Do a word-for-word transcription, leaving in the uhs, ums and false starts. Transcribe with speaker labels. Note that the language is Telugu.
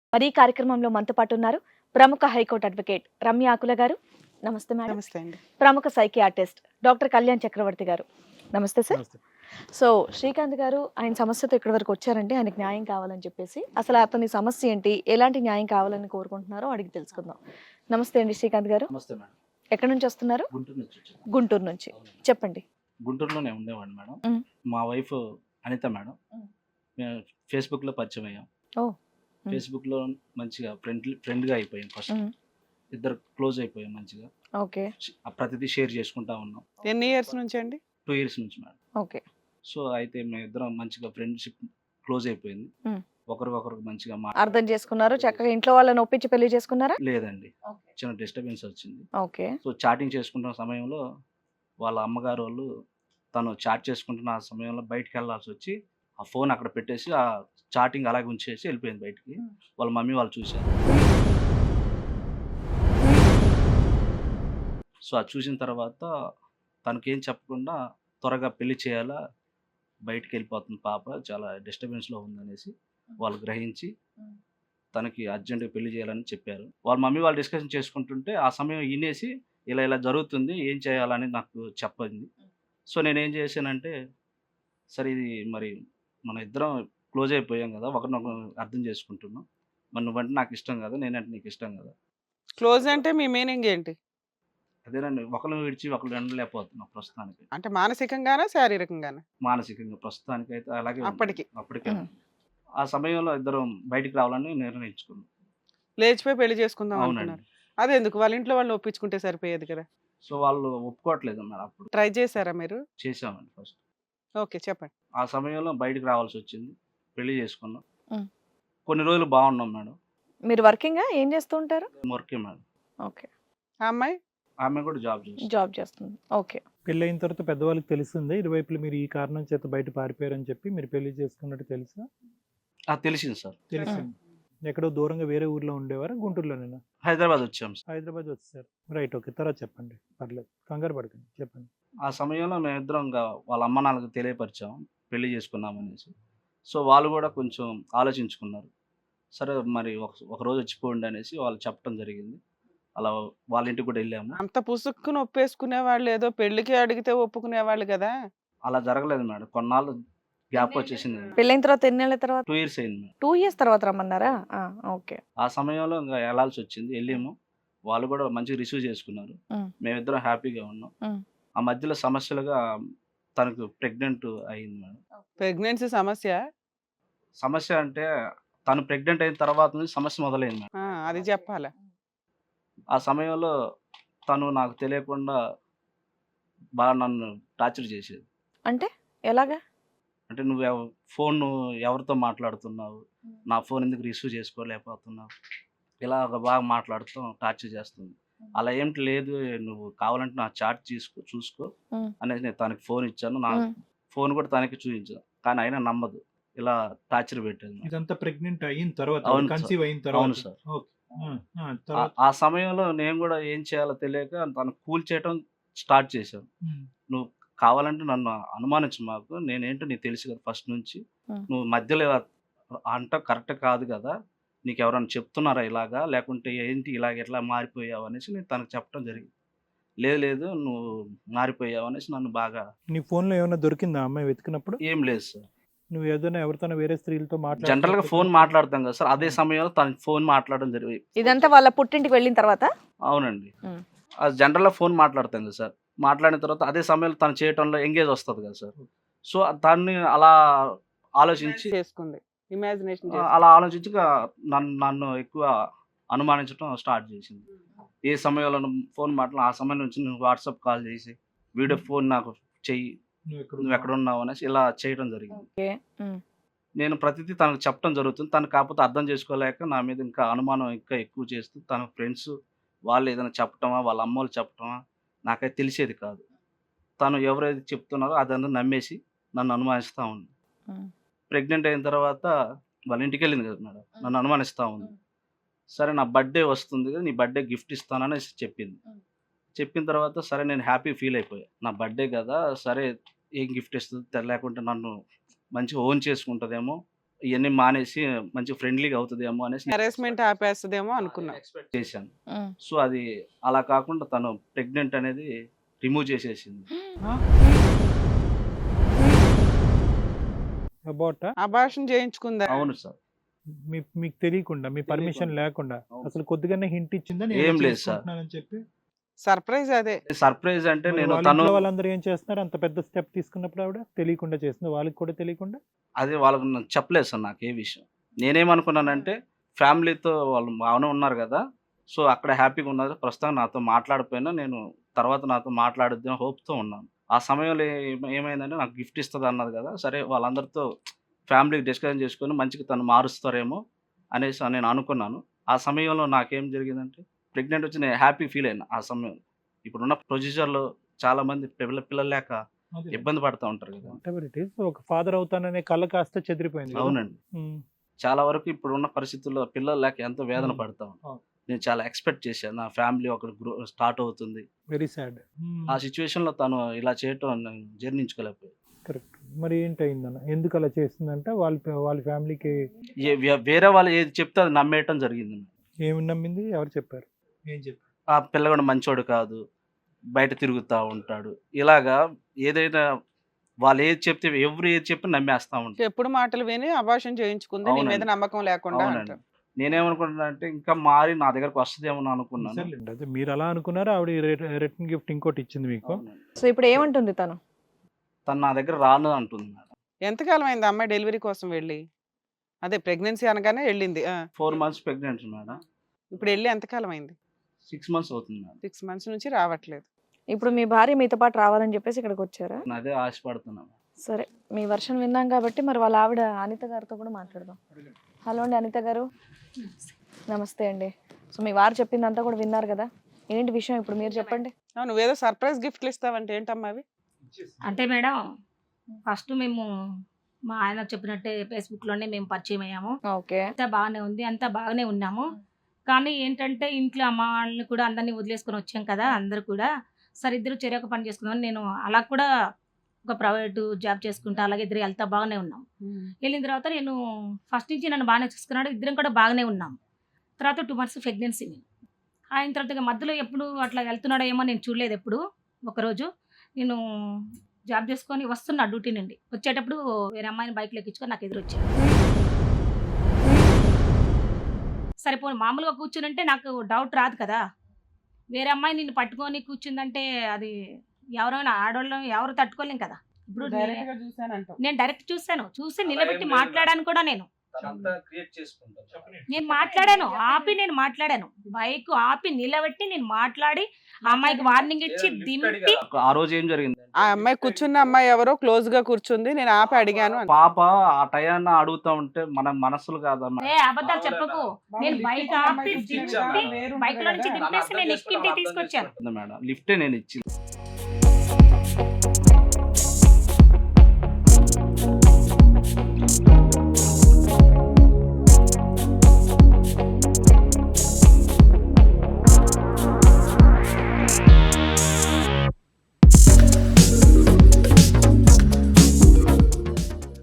Speaker 1: మరి ఈ కార్యక్రమంలో మనతో పాటు ఉన్నారు ప్రముఖ హైకోర్టు అడ్వకేట్ రమ్య ఆకుల గారు. నమస్తే మేడం.
Speaker 2: నమస్తే అండి.
Speaker 1: ప్రముఖ సైకియాట్రిస్ట్ డాక్టర్ కళ్యాణ్ చక్రవర్తి గారు. నమస్తే సార్.
Speaker 3: నమస్తే.
Speaker 1: సో శ్రీకాంత్ గారు ఆయన సమస్యతో ఇక్కడి వరకు వచ్చారంటే ఆయనకు న్యాయం కావాలని చెప్పేసి అసలు అతని సమస్య ఏంటి, ఎలాంటి న్యాయం కావాలని కోరుకుంటున్నారో అడిగి తెలుసుకుందాం. నమస్తే అండి శ్రీకాంత్ గారు.
Speaker 3: నమస్తే మేడం.
Speaker 1: ఎక్కడి నుంచి వస్తున్నారు?
Speaker 3: గుంటూరు నుంచి వచ్చాను.
Speaker 1: గుంటూరు నుంచి. చెప్పండి.
Speaker 3: గుంటూరులోనే ఉండేవాడిని మేడం.
Speaker 1: మ్.
Speaker 3: మా వైఫ్ అనిత మేడం.
Speaker 1: మ్.
Speaker 3: మేము ఫేస్బుక్లో పరిచయం అయ్యాం.
Speaker 1: ఓ. మ్.
Speaker 3: ఫేస్బుక్లో మంచిగా ఫ్రెండ్ ఫ్రెండ్గా అయిపోయాం. ఫస్ట్
Speaker 1: మ్.
Speaker 3: ఇద్దరు క్లోజ్ అయిపోయాం మంచిగా.
Speaker 1: ఓకే.
Speaker 3: ఆ ప్రతిదీ షేర్ చేసుకుంటా ఉన్నాం.
Speaker 2: ఎన్ని ఇయర్స్ నుంచి అండి?
Speaker 3: టూ ఇయర్స్ నుంచి మేడం.
Speaker 1: ఓకే.
Speaker 3: సో అయితే మేము ఇద్దరం మంచిగా ఫ్రెండ్షిప్ క్లోజ్ అయిపోయింది.
Speaker 1: మ్.
Speaker 3: ఒకరికొకరికి మంచిగా మా
Speaker 1: అర్థం చేసుకున్నారు, చక్కగా ఇంట్లో వాళ్ళని ఒప్పించి పెళ్లి చేసుకున్నారా?
Speaker 3: లేదండి, చిన్న డిస్టర్బెన్స్ వచ్చింది.
Speaker 1: ఓకే.
Speaker 3: సో చాటింగ్ చేసుకుంటున్న సమయంలో వాళ్ళ అమ్మగారు వాళ్ళు తను చాట్ చేసుకుంటున్న ఆ సమయంలో బయటికి వెళ్ళాల్సి వచ్చి ఆ ఫోన్ అక్కడ పెట్టేసి ఆ చాటింగ్ అలాగే ఉంచేసి వెళ్ళిపోయింది బయటికి. వాళ్ళ మమ్మీ వాళ్ళు చూశారు. సో అది చూసిన తర్వాత తనకేం చెప్పకుండా త్వరగా పెళ్లి చేయాలా, బయటికి వెళ్ళిపోతుంది పాప, చాలా డిస్టర్బెన్స్లో ఉందనేసి వాళ్ళు గ్రహించి తనకి అర్జెంటుగా పెళ్లి చేయాలని చెప్పారు. వాళ్ళ మమ్మీ వాళ్ళు డిస్కషన్ చేసుకుంటుంటే ఆ సమయం వినేసి ఇలా ఇలా జరుగుతుంది, ఏం చేయాలని నాకు చెప్పింది. సో నేనేం చేశానంటే, సరే ఇది మరి మన ఇద్దరం క్లోజ్ అయిపోయాం కదా, ఒకరినొకరు అర్థం చేసుకుంటున్నాం, మరి నువ్వంటే నాకు ఇష్టం కదా, నేనంటే నీకు ఇష్టం కదా.
Speaker 2: క్లోజ్ అంటే మీ మీనింగ్ ఏంటి?
Speaker 3: అదేనండి, ఒకరిని విడిచి ఒకరు ఎండలేకపోతున్నాం ప్రస్తుతానికి.
Speaker 2: అంటే మానసికంగానా శారీరకంగానా?
Speaker 3: మానసికంగా ప్రస్తుతానికి అయితే అలాగే ఉంది.
Speaker 2: అప్పటికి
Speaker 3: అప్పటికే
Speaker 1: మ్.
Speaker 3: ఆ సమయంలో ఇద్దరం బయటికి రావాలని నిర్ణయించుకున్నాం.
Speaker 2: లేచిపోయి పెళ్లి చేసుకుందాం
Speaker 3: అవునండి.
Speaker 2: అనుకున్నారు. అదెందుకు? వాళ్ళ ఇంట్లో వాళ్ళు ఒప్పించుకుంటే సరిపోయేది కదా.
Speaker 3: సో వాళ్ళు ఒప్పుకోవట్లేదు అన్నారు. అప్పుడు
Speaker 2: ట్రై చేశారా మీరు?
Speaker 3: చేసామండి ఫస్ట్.
Speaker 2: ఓకే, చెప్పండి.
Speaker 3: ఆ సమయంలో బయటికి రావాల్సి వచ్చింది, పెళ్లి చేసుకున్నాం.
Speaker 1: మ్.
Speaker 3: కొన్ని రోజులు బాగున్నాం మేడం.
Speaker 1: మీరు వర్కింగ్ ఏం చేస్తూ ఉంటారు?
Speaker 3: వర్కే మేడం.
Speaker 1: ఓకే.
Speaker 2: ఆ అమ్మాయి
Speaker 3: ఆమె కూడా జాబ్ చేస్తుంది.
Speaker 1: జాబ్ చేస్తుంది. ఓకే.
Speaker 4: పెళ్ళి అయిన తర్వాత పెద్దవాళ్ళకి తెలుస్తుంది ఇరువైపులు మీరు ఈ కారణం చేత బయట పారిపోయారని చెప్పి మీరు పెళ్లి చేసుకున్నట్టు తెలుసా?
Speaker 3: ఆ, తెలిసింది సార్.
Speaker 4: తెలిసింది. ఎక్కడో దూరంగా వేరే ఊర్లో ఉండేవారా, గుంటూరులోనేనా?
Speaker 3: హైదరాబాద్ వచ్చాం సార్.
Speaker 4: హైదరాబాద్ వచ్చేసారు. Right, okay. తర్వాత చెప్పండి, పర్లేదు, కంగారు పడకండి, చెప్పండి.
Speaker 3: ఆ సమయంలో మేమిద్దరం ఇంకా వాళ్ళ అమ్మ నాన్నలకు తెలియపరిచాం పెళ్లి చేసుకున్నాం అనేసి. సో వాళ్ళు కూడా కొంచెం ఆలోచించుకున్నారు. సరే మరి ఒక ఒక రోజు వచ్చిపోండి అనేసి వాళ్ళు చెప్పడం జరిగింది. అలా వాళ్ళ ఇంటికి కూడా వెళ్ళాము.
Speaker 2: అంత పుసుక్కుని ఒప్పేసుకునే వాళ్ళు ఏదో పెళ్లికి అడిగితే ఒప్పుకునేవాళ్ళు కదా.
Speaker 3: అలా జరగలేదు మేడం, కొన్నాళ్ళు గ్యాప్ వచ్చేసింది.
Speaker 1: పెళ్ళైన తర్వాత ఎన్నేళ్ల తర్వాత?
Speaker 3: టూ ఇయర్స్ అయింది మేడం.
Speaker 1: టూ ఇయర్స్ తర్వాత రమ్మన్నారా? ఆ, ఓకే.
Speaker 3: ఆ సమయంలో ఇంకా వెళ్ళాల్సి వచ్చింది, వెళ్ళాము. వాళ్ళు కూడా మంచిగా రిసీవ్ చేసుకున్నారు.
Speaker 1: మ్.
Speaker 3: మేమిద్దరం హ్యాపీగా ఉన్నాం.
Speaker 1: మ్.
Speaker 3: ఆ మధ్యలో సమస్యలుగా తనకు ప్రెగ్నెంట్ అయింది మేడం.
Speaker 2: ప్రెగ్నెన్సీ సమస్య?
Speaker 3: సమస్య అంటే తను ప్రెగ్నెంట్ అయిన తర్వాత నుంచి సమస్య మొదలైంది మేడం.
Speaker 2: ఆ, అది చెప్పాలా.
Speaker 3: ఆ సమయంలో తను నాకు తెలియకుండా బాగా నన్ను టార్చర్ చేసేది.
Speaker 1: అంటే ఎలాగా?
Speaker 3: అంటే నువ్వు ఎవ ఫోన్ ఎవరితో మాట్లాడుతున్నావు, నా ఫోన్ ఎందుకు రిసీవ్ చేసుకోలేకపోతున్నావు, ఇలా బాగా మాట్లాడుతూ టార్చర్ చేస్తుంది. అలా ఏంటి లేదు, నువ్వు కావాలంటే నా చాట్ తీసుకో చూసుకో
Speaker 1: మ్.
Speaker 3: అనేసి నేను తనకి ఫోన్ ఇచ్చాను. నా
Speaker 1: మ్.
Speaker 3: ఫోన్ కూడా తనకి చూపించాను, కానీ అయినా నమ్మదు, ఇలా టార్చర్ పెట్టేది మేడం.
Speaker 4: ఇదంతా ప్రెగ్నెంట్ అయిన తర్వాత,
Speaker 3: అవును సార్.
Speaker 4: కన్సీవ్ అయిన
Speaker 3: అవును
Speaker 4: తర్వాత.
Speaker 3: సార్.
Speaker 4: ఓకే. ఆ, ఆ,
Speaker 3: ఆ-
Speaker 4: తర్వాత.
Speaker 3: ఆ సమయంలో నేను కూడా ఏం చేయాలో తెలియక తను కూల్ చేయడం స్టార్ట్ చేశాను.
Speaker 4: ఉమ్,
Speaker 3: నువ్వు కావాలంటే నన్ను అనుమానించు, మాకు నేనేంటో నీకు తెలుసు కదా ఫస్ట్ నుంచి,
Speaker 1: మ్.
Speaker 3: నువ్వు మధ్యలో ఇలా అంట కరెక్ట్ కాదు కదా, నీకు ఎవరైనా చెప్తున్నారా ఇలాగా, లేకుంటే ఏంటి ఇలాగ ఎట్లా మారిపోయావు అనేసి నేను తనకు చెప్పడం జరిగింది. లేదు లేదు నువ్వు మారిపోయావు అనేసి నన్ను బాగా.
Speaker 4: నీ ఫోన్లో ఏమైనా దొరికిందా అమ్మాయి వెతికినప్పుడు?
Speaker 3: ఏం లేదు సార్,
Speaker 4: నువ్వు ఏదైనా ఎవరితోనో వేరే స్త్రీలతో మాట్లాడు
Speaker 3: జనరల్గా ఫోన్ మాట్లాడతాం కదా సార్, అదే సమయంలో తన ఫోన్ మాట్లాడడం జరిగింది.
Speaker 1: ఇదంతా వాళ్ళ పుట్టింటికి వెళ్ళిన తర్వాత?
Speaker 3: అవునండి.
Speaker 1: మ్.
Speaker 3: అది జనరల్గా ఫోన్ మాట్లాడతాం కదా సార్, మాట్లాడిన తర్వాత అదే సమయంలో తను చేయటంలో ఎంగేజ్ వస్తుంది కదా సార్. సో దాన్ని అలా ఆలోచించి
Speaker 2: చేసుకుంది, ఇమాజినేషన్
Speaker 3: ఆ, అలా ఆలోచించి ఇక నన్ను నన్ను ఎక్కువ అనుమానించడం స్టార్ట్ చేసింది. ఏ సమయంలో ఫోన్ మాట్లాడు ఆ సమయం నుంచి నువ్వు వాట్సాప్ కాల్ చేసి వీడియో ఫోన్ నాకు చెయ్యి,
Speaker 4: నువ్వు ఎక్కడ
Speaker 3: నువ్వు ఎక్కడ ఉన్నావు అనేసి ఇలా చేయడం జరిగింది.
Speaker 1: ఓకే. మ్.
Speaker 3: నేను ప్రతిదీ తనకు చెప్పడం జరుగుతుంది, తను కాకపోతే అర్థం చేసుకోలేక నా మీద ఇంకా అనుమానం ఇంకా ఎక్కువ చేస్తూ తన ఫ్రెండ్స్ వాళ్ళు ఏదైనా చెప్పటమా, వాళ్ళ అమ్మ వాళ్ళు చెప్పటమా నాకైతే తెలిసేది కాదు. తను ఎవరైతే చెప్తున్నారో అదంతా నమ్మేసి నన్ను అనుమానిస్తూ ఉంది.
Speaker 1: మ్.
Speaker 3: ప్రెగ్నెంట్ అయిన తర్వాత వాళ్ళ ఇంటికి వెళ్ళింది కదా మేడం, నన్ను అనుమానిస్తూ ఉంది. సరే నా బర్త్డే వస్తుంది కదా, నీ బర్త్డే గిఫ్ట్ ఇస్తానని చెప్పింది. చెప్పిన తర్వాత సరే నేను హ్యాపీ ఫీల్ అయిపోయా, నా బర్త్డే కదా, సరే ఏం గిఫ్ట్ ఇస్తుంది లేకుంటే నన్ను మంచిగా ఓన్ చేసుకుంటుందేమో ఇవన్నీ మానేసి మంచి ఫ్రెండ్లీగా అవుతుందేమో అనేసి
Speaker 2: హెరాస్మెంట్ ఆపేస్తుందేమో అనుకున్నా.
Speaker 3: ఎక్స్పెక్ట్ చేశాను.
Speaker 1: ఉమ్.
Speaker 3: సో అది అలా కాకుండా తను ప్రెగ్నెంట్ అనేది రిమూవ్ చేసేసింది.
Speaker 4: అబౌట్
Speaker 2: అబార్షన్ చేయించుకుందా?
Speaker 3: అవును సార్.
Speaker 4: మీ మీకు తెలియకుండా మీ పర్మిషన్ లేకుండా
Speaker 3: అవును.
Speaker 4: అసలు కొద్దిగానే హింట్ ఇచ్చిందా నేను
Speaker 3: ఏం
Speaker 4: ఇలా
Speaker 3: లేదు సార్.
Speaker 4: చేసుకుంటున్నానని చెప్పి?
Speaker 2: సర్ప్రైజ్ అదే.
Speaker 3: సర్ప్రైజ్ అంటే
Speaker 4: మరి
Speaker 3: నేను
Speaker 4: వాళ్ళ
Speaker 3: తను
Speaker 4: ఇంట్లో వాళ్ళందరూ ఏం చేస్తున్నారు? అంత పెద్ద స్టెప్ తీసుకున్నప్పుడు ఆవిడ తెలియకుండా చేస్తుంది, వాళ్ళకి కూడా తెలియకుండా.
Speaker 3: అది వాళ్ళకి నాకు చెప్పలేదు సార్ నాకు ఏ విషయం. నేనేమనుకున్నానంటే ఫ్యామిలీతో వాళ్ళు బాగానే ఉన్నారు కదా, సో అక్కడ హ్యాపీగా ఉన్నారు, ప్రస్తుతం నాతో మాట్లాడిపోయినా నేను తర్వాత నాతో మాట్లాడుద్దాం హోప్తో ఉన్నాను. ఆ సమయంలో ఏమ- ఏమైందంటే నాకు గిఫ్ట్ ఇస్తుంది అన్నది కదా, సరే వాళ్ళందరితో ఫ్యామిలీకి డిస్కషన్ చేసుకొని మంచిగా తను మారుస్తారేమో అనేసి నేను అనుకున్నాను. ఆ సమయంలో నాకేం జరిగిందంటే ప్రెగ్నెంట్ వచ్చి నేను హ్యాపీ ఫీల్ అయినా ఆ సమయంలో. ఇప్పుడున్న ప్రొసీజర్లో చాలా మంది పిల్ల పిల్లలు లేక ఇబ్బంది పడుతూ ఉంటారు కదా.
Speaker 4: Whatever it is, ఒక ఫాదర్ అవుతాననే కళ్ళ కాస్త చెదిరిపోయింది కదా?
Speaker 3: అవునండి.
Speaker 4: ఉమ్.
Speaker 3: చాలా వరకు ఇప్పుడున్న పరిస్థితుల్లో పిల్లలు లేక ఎంతో వేదన
Speaker 4: Hmm.
Speaker 3: పడతా ఉంటాం.
Speaker 4: అవును.
Speaker 3: నేను చాలా ఎక్స్పెక్ట్ చేశాను నా ఫ్యామిలీ ఒక గ్రో స్టార్ట్ అవుతుంది.
Speaker 4: Very sad.
Speaker 3: ఆ సిచ్యువేషన్లో తను ఇలా చేయటం నేను జీర్ణించుకోలేకపోయాను.
Speaker 4: కరెక్ట్. మరి ఏంటయిందన్న? ఎందుకు అలా చేస్తుందంటే వాళ్ళ వాళ్ళ ఫ్యామిలీకి
Speaker 3: ఏ- వే- వేరే వాళ్ళు ఏది చెప్తే అది నమ్మేయటం జరిగింది.
Speaker 4: ఏమి నమ్మింది? ఎవరు చెప్పారు? ఏం చెప్పారు?
Speaker 3: ఆ పిల్లగాడు మంచోడు కాదు, బయట తిరుగుతూ ఉంటాడు, ఇలాగా ఏదైనా వాళ్ళు ఏది చెప్తే ఎవరు ఏది చెప్పి నమ్మేస్తా ఉంటారు.
Speaker 2: ఎప్పుడు మాటలు విని అబార్షన్ చేయించుకుంది, నీ మీద
Speaker 3: అవునండి.
Speaker 2: నమ్మకం లేకుండా
Speaker 3: అవునండి.
Speaker 2: అంటారు.
Speaker 3: నేనేమనుకుంటున్నా అంటే ఇంకా మారి నా దగ్గరకు వస్తుందేమో అని అనుకున్నాను.
Speaker 4: సర్లేండి, అదే మీరు అలా అనుకున్నారు. ఆవిడ రిటర్న్ గిఫ్ట్ ఇంకోటి ఇచ్చింది మీకు.
Speaker 3: అవునండి.
Speaker 1: సో ఇప్పుడు ఏమంటుంది తను?
Speaker 3: తను నా దగ్గర రాను అంటుంది మేడం.
Speaker 2: ఎంతకాలం అయింది ఆ అమ్మాయి డెలివరీ కోసం వెళ్ళి? అదే ప్రెగ్నెన్సీ అనగానే వెళ్ళింది. ఆ.
Speaker 3: Four months pregnant madam.
Speaker 2: ఇప్పుడు వెళ్ళి ఎంతకాలం అయింది?
Speaker 3: సిక్స్ మంత్స్ అవుతుంది మేడం.
Speaker 2: సిక్స్ మంత్స్ నుంచి రావట్లేదు.
Speaker 1: ఇప్పుడు మీ భార్య మీతో పాటు రావాలని చెప్పేసి ఇక్కడికి వచ్చారా?
Speaker 3: నేను అదే ఆశపడుతున్నాను.
Speaker 1: సరే, మీ వర్షన్ విన్నాం కాబట్టి మరి వాళ్ళ ఆవిడ అనిత గారితో కూడా మాట్లాడదాం. హలో అండి అనిత గారు. నమస్తే అండి. సో మీ వారు చెప్పిందంతా కూడా విన్నారు కదా, ఏంటి విషయం ఇప్పుడు మీరు చెప్పండి.
Speaker 2: ఆ, నువ్వేదో సర్ప్రైజ్ గిఫ్ట్లు ఇస్తావంటే ఏంటమ్మా అవి?
Speaker 5: అంటే మేడం ఫస్ట్ మేము మా ఆయన చెప్పినట్టే ఫేస్బుక్లోనే మేము పరిచయం అయ్యాము.
Speaker 1: ఓకే.
Speaker 5: అంతా బాగానే ఉంది, అంతా బాగానే ఉన్నాము. కానీ ఏంటంటే ఇంట్లో అమ్మ వాళ్ళని కూడా అందరినీ వదిలేసుకొని వచ్చాం కదా, అందరు కూడా సరే ఇద్దరు చెరొక పని చేసుకుందామని నేను అలా కూడా ఒక ప్రైవేటు జాబ్ చేసుకుంటా అలాగే ఇద్దరు వెళ్తా బాగానే ఉన్నాం. వెళ్ళిన తర్వాత నేను ఫస్ట్ నుంచి నన్ను బాగానే చూసుకున్నాడు, ఇద్దరం కూడా బాగానే ఉన్నాం. తర్వాత టూ మంత్స్ ప్రెగ్నెన్సీ నేను ఆయన తర్వాత ఇక మధ్యలో ఎప్పుడు అట్లా వెళ్తున్నాడో ఏమో నేను చూడలేదు. ఎప్పుడు ఒకరోజు నేను జాబ్ చేసుకొని వస్తున్నా డ్యూటీ నుండి వచ్చేటప్పుడు వేరే అమ్మాయిని బైక్లో ఎక్కించుకొని నాకు ఎదురు వచ్చాడు. సరిపోయి మామూలుగా కూర్చునంటే నాకు డౌట్ రాదు కదా, వేరే అమ్మాయి నిన్ను పట్టుకొని కూర్చుందంటే అది ఎవరైనా ఆడవాళ్ళం ఎవరు తట్టుకోలేం కదా. ఇప్పుడు నే-
Speaker 2: డైరెక్ట్ గా చూసానంటావు.
Speaker 5: నేను డైరెక్ట్ చూశాను, చూసి నిలబెట్టి మాట్లాడాను కూడా. నేను
Speaker 3: క్రియేట్ చేసుకుంటాను.
Speaker 5: నేను మాట్లాడాను, ఆపి నేను మాట్లాడాను, బైక్ ఆపి నిలబెట్టి నేను మాట్లాడి ఆ అమ్మాయికి వార్నింగ్ ఇచ్చి దింపి
Speaker 3: ఆ రోజు ఏం జరిగింది
Speaker 2: ఆ అమ్మాయి కూర్చున్న అమ్మాయి ఎవరో క్లోజ్ గా కూర్చుంది, నేను ఆపి అడిగాను అని.
Speaker 3: పాప ఆ టయాన్న అడుగుతా ఉంటే మన మనసులు కాదమ్మా.
Speaker 5: ఏ అబద్ధాలు చెప్పకు. నేను బైక్ ఆపి దింపి బైక్ లో నుంచి దింపేసి నేను ఎక్కింటి తీసుకొచ్చాను.
Speaker 3: మేడం లిఫ్టే నేను ఇచ్చింది.